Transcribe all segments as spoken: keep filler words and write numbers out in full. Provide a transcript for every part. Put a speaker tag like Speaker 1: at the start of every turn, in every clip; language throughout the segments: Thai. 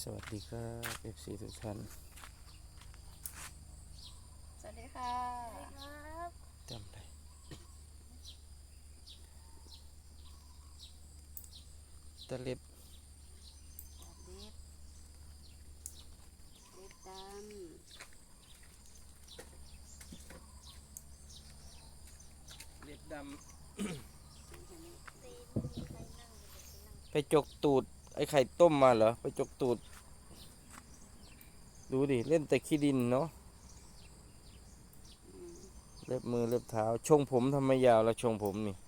Speaker 1: สวัสดีครับ เอฟ ซี ทุกท่าน
Speaker 2: สวัสดีค่ะครับ
Speaker 1: จำได้ตะเล็บ
Speaker 2: เล็บเล็บด
Speaker 1: เล็บดำ ไปจกตูดไอ้ไข่ต้มมาเหรอ ไปจกตูด ดูดิ เล่นแต่ขี้ดินเนาะเล็บมือเล็บเท้าชงผมทำไมยาวแล้วชงผมนี่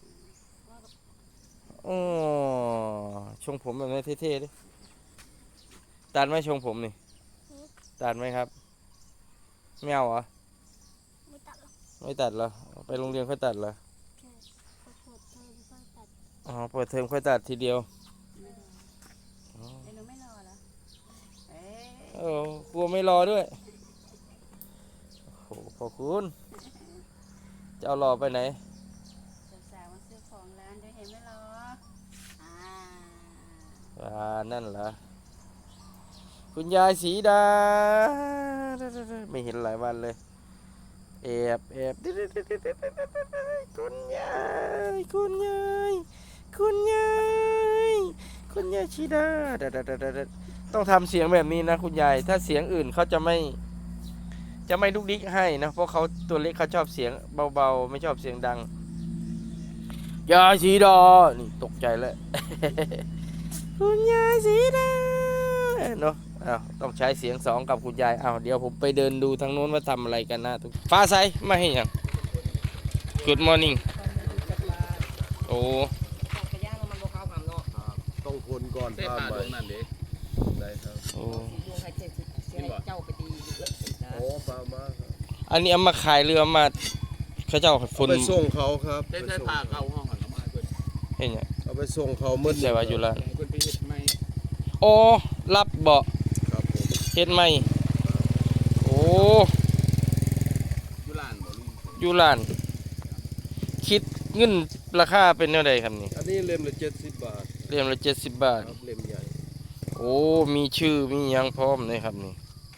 Speaker 1: อ๋อชงผมแบบนี้เท่ๆดิตัดไหมชงผมนี่ตัดไหมครับไม่เอาเหรอ
Speaker 2: ไม่ตัดหรอก
Speaker 1: ไม่ตัดเหรอไปโรงเรียนค่อยตัดเหรอ
Speaker 2: ใช่พอเปิดเทอมก็ตัด
Speaker 1: อ๋อเปิดเทอมค่อยตัดทีเดียว
Speaker 2: ไม่รอเดี๋ยวหนูไม่รอแล้วเอ๊ะ
Speaker 1: โอ้กลัวไม่รอด้วยโอ้โหพอคุณจะเอารอไปไหน
Speaker 2: สาวๆมาซื้อของร้านเดี๋ยวเห็นไม่รออ่า
Speaker 1: อ่านั่นเหรอคุณยายสีดาไม่เห็นหลายวันเลยแอบแอบคุณยายคุณยายคุณยายคุณยายสีดาต้องทำเสียงแบบนี้นะคุณยายถ้าเสียงอื่นเขาจะไม่จะไม่ลุกดิ๊กให้นะเพราะเขาตัวเล็กเขาชอบเสียงเบาๆไม่ชอบเสียงดังยายสีดานี่ตกใจแล้วคุณยายสีดาเนาะอ้าวต้องใช้เสียงสองกับคุณยายอ้าวเดี๋ยวผมไปเดินดูทางโน้นว่าทำอะไรกันนะทุกฟ้าใสไม่ให้ยัง Good morning โอ้
Speaker 2: กระย่างมันโบเข้าความเนาะ
Speaker 3: ต้องคนก่อน
Speaker 4: เส้น
Speaker 3: ข้าม
Speaker 4: ผ่า
Speaker 3: ไป
Speaker 4: ดวงนั่นเด้
Speaker 3: ได้ครับ
Speaker 1: โอ้
Speaker 2: ดวงใครเจ็บเสียเจ้าไปตีเยอะนะ
Speaker 3: โอ้ปลามาครับ
Speaker 1: อันนี้เอามาขายเรือมาเขาเจ้าฝน
Speaker 3: ไปส่งเขาครับ
Speaker 4: เส้นเส้นผ่าเข้าห้องหันมาเพิ่น
Speaker 1: เห็นยัง
Speaker 3: เอาไปส่งเขาเมื่อ
Speaker 1: ใส่ว่าอยู่ละ
Speaker 4: ให้เพิ่นไปเฮ็ดใหม่
Speaker 1: โอ้รับเบาะ
Speaker 3: ครับผม
Speaker 1: เฮ็ดไหมโอ้
Speaker 4: อยู่ร้านบ่ลุง
Speaker 1: อยู่ร้าน คิดเงินราคาเป็นเท่าใดครับนี่
Speaker 3: อันนี้เล่มละเจ็ดสิบบาท
Speaker 1: เรียมละเจ็ดสิบบาท
Speaker 3: ครับเล่มใหญ่
Speaker 1: โอ้มีชื่อมีหยังพร้อมเลยครับนี่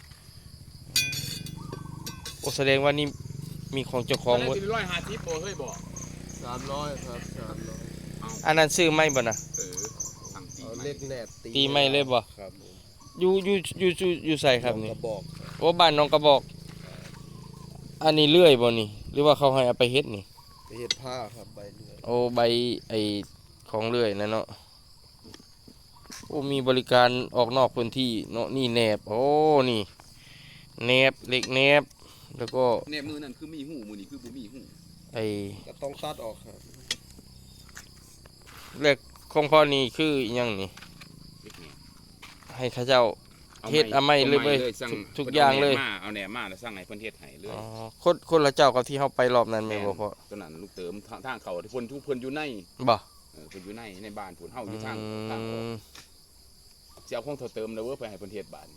Speaker 1: โอ้แสดงว่านี่มีของเจ้าของ
Speaker 4: ห
Speaker 1: ห
Speaker 4: ม
Speaker 1: ม
Speaker 4: ด
Speaker 1: ด
Speaker 4: ร้อยห้าสิบบ่เฮ้ยบ่
Speaker 3: สามร้อยครับสามร้อย
Speaker 1: อันนั้นซื้อไม่บ่นะ
Speaker 4: เออสั่งตี
Speaker 3: เอา
Speaker 4: ใหม่
Speaker 3: เล็กแหนบ
Speaker 1: ตีไม่เลยบ่
Speaker 3: ครับผม
Speaker 1: อยู่อยู่อยู่อยู่อยู่ใส่ครับ
Speaker 3: ก
Speaker 1: นี่
Speaker 3: ระบอกครับ
Speaker 1: โอ้บ้านน้องกระบอก อันนี้เลื่อยบ่นี่ หรือว่าเขาให้เอาไปเฮ็ดนี่
Speaker 3: ไปเฮ็ดผ้าครับใบเลื่อย
Speaker 1: โอ้ใบไอของเลื่อยนะเนาะโอ้มีบริการออกนอกพื้นที่เนาะนี่แหนบโอ้นี่แหนบเหล็กแหนบแล้วก็
Speaker 4: เนี่ยมือนั่นคือมีหูมือนี่คือบ่มีหู
Speaker 1: ไอ
Speaker 3: ก็ต้องตัดออกครับ
Speaker 1: เหล็กของพ่อนี่คืออิหยังนี่
Speaker 4: เล็กนี่
Speaker 1: ให้เข้าเจ้า เฮ็ดเอาไม้เลยเว้ย
Speaker 4: สั่ง
Speaker 1: ทุกทุกอย่างเลย
Speaker 4: มาเอาแหนมมาแล้วสั่งให้เพิ่นเฮ็ดให้เลย
Speaker 1: อ๋อคนคนละเจ้ากับที่เฮาไปรอบนั้นแม่นบ่พ่อ
Speaker 4: ตัวนั้นลูกเติมทางทางเขาที่เพิ่นทุกเพิ่นอยู่ใน
Speaker 1: บ่
Speaker 4: เออเพิ่นอยู่ในในบ้านเพิ่นเฮาอ
Speaker 1: อื
Speaker 4: ยู่ทางทางออก
Speaker 1: ม
Speaker 4: สิเอาของเท่าเติมแล้วเว้ยไปให้เพิ่นเฮ็ดบ้าน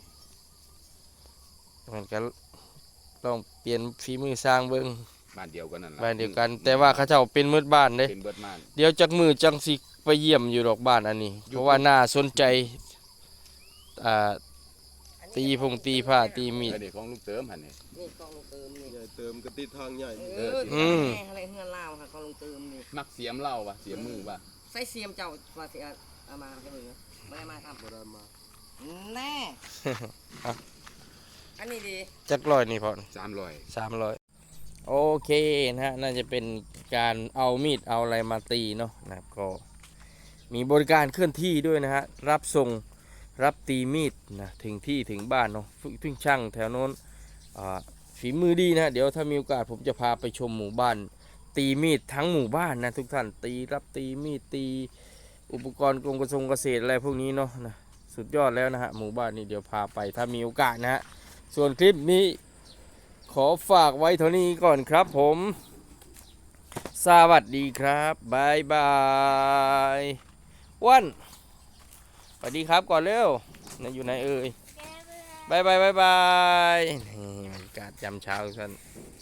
Speaker 1: มันก็ลองเปลี่ยนฝีมือสร้างเบิ่ง
Speaker 4: บ้านเดียวกันนั่นล่ะ
Speaker 1: บ้านเดียวกัน แต่ว่าเขาเจ้าเป็นมืดบ้านเด้
Speaker 4: เป็นเบิดบ้าน
Speaker 1: เดี๋ยวจักมือจังสิไปเยี่ยมอยู่ดอกบ้านอันนี้ เพราะว่าน่าสนใจอ่าตีพงตีผ้าตีมีด
Speaker 4: เออเด็กของลูกเติมหั่นนี่
Speaker 2: นี่กองลงเติมนี่
Speaker 3: ใหญ่เติมกระติดทางใหญ่
Speaker 2: เออ
Speaker 1: อืม
Speaker 2: แม่อะไรเฮือนลาวค่ะกองลงเติมนี่
Speaker 4: มักเสียมเหล้าว่ะเสียมมือว่ะ
Speaker 2: ใส่เสียมเจ้าว่าเสียเอามาให้มึงไม่ได้มาครับ
Speaker 3: บ่ได้มา
Speaker 2: แน่อันนี้ดี
Speaker 1: จักร้อยนี่พอ
Speaker 4: สามร้อย
Speaker 1: สามร้อยโอเคนะฮะน่าจะเป็นการเอามีดเอาอะไรมาตีเนาะนะครับก็มีบริการเคลื่อนที่ด้วยนะฮะรับส่งรับตีมีดนะถึงที่ถึงบ้านเนาะถึงช่างแถวโน้นอ่าฝีมือดีนะเดี๋ยวถ้ามีโอกาสผมจะพาไปชมหมู่บ้าน ตีมีดทั้งหมู่บ้านนะทุกท่านตีรับตีมีดตีอุปกรณ์กรมกระทรวงเกษตรอะไรพวกนี้เนาะนะสุดยอดแล้วนะฮะหมู่บ้านนี้เดี๋ยวพาไปถ้ามีโอกาสนะฮะส่วนคลิปนี้ขอฝากไว้เท่านี้ก่อนครับผมสวัสดีครับบายบายวันสวัสดีครับก่อนเร็วนะอยู่ไหนเอ่ยบายบายบายบายนี่บรรยากาศยามเช้าทุกท่าน